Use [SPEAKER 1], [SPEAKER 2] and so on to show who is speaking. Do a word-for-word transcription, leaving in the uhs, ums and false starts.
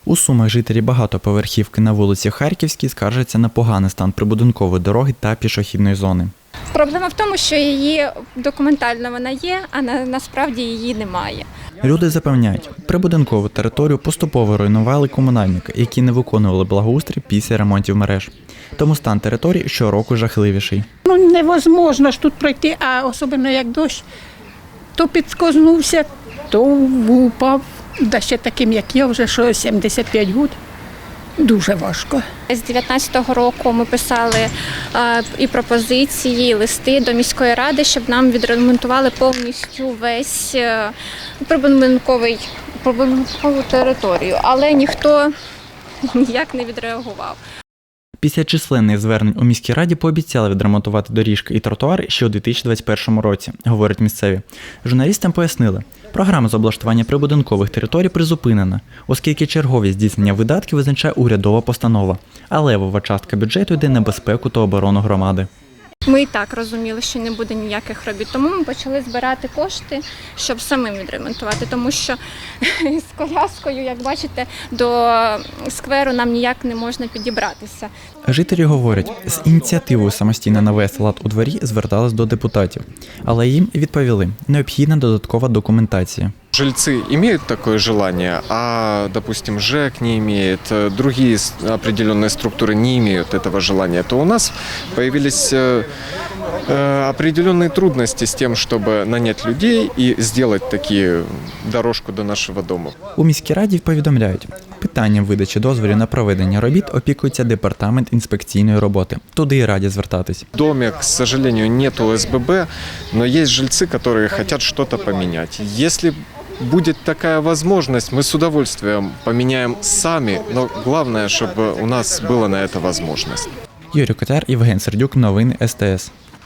[SPEAKER 1] У Сумах жителі багатоповерхівки на вулиці Харківській скаржаться на поганий стан прибудинкової дороги та пішохідної зони.
[SPEAKER 2] Проблема в тому, що її документально вона є, а на, насправді її немає.
[SPEAKER 1] Люди запевняють, прибудинкову територію поступово руйнували комунальники, які не виконували благоустрій після ремонтів мереж. Тому стан території щороку жахливіший.
[SPEAKER 3] Ну, невозможно ж тут пройти, а особливо як дощ, то підскознувся, то упав. Да ще таким, як я, вже що сімдесят п'ять років. Дуже важко.
[SPEAKER 2] З дев'ятнадцятого року ми писали е, і пропозиції, і листи до міської ради, щоб нам відремонтували повністю весь е, прибудинковий прибудинкову територію, але ніхто ніяк не відреагував.
[SPEAKER 1] Після численних звернень у міській раді пообіцяли відремонтувати доріжки і тротуари ще у дві тисячі двадцять першому році, говорять місцеві. Журналістам пояснили, програма з облаштування прибудинкових територій призупинена, оскільки чергові здійснення видатків визначає урядова постанова, а левова частка бюджету йде на безпеку та оборону громади.
[SPEAKER 2] Ми і так розуміли, що не буде ніяких робіт, тому ми почали збирати кошти, щоб самим відремонтувати, тому що з коляскою, як бачите, до скверу нам ніяк не можна підібратися.
[SPEAKER 1] Жителі говорять, з ініціативою самостійно навести лад у дворі звертались до депутатів, але їм відповіли – необхідна додаткова документація.
[SPEAKER 4] Жильцы имеют такое желание, а, допустим, ЖЭК не имеет, другие определенные структуры не имеют этого желания, то у нас появились определенные трудности с тем, чтобы нанять людей и сделать такие дорожку до нашего дома.
[SPEAKER 1] У міській раді повідомляють, питанням видачі дозволів на проведення робіт опікується департамент інспекційної роботи. Туди і раді звертатись.
[SPEAKER 4] В доме, к сожалению, нет о эс бэ бэ, но есть жильцы, которые хотят что-то поменять. Если будет такая возможность, мы с удовольствием поменяем сами, но главное, чтобы у нас была на это возможность.
[SPEAKER 1] Юрій Котяр, Євген Сердюк, новини ес те ес.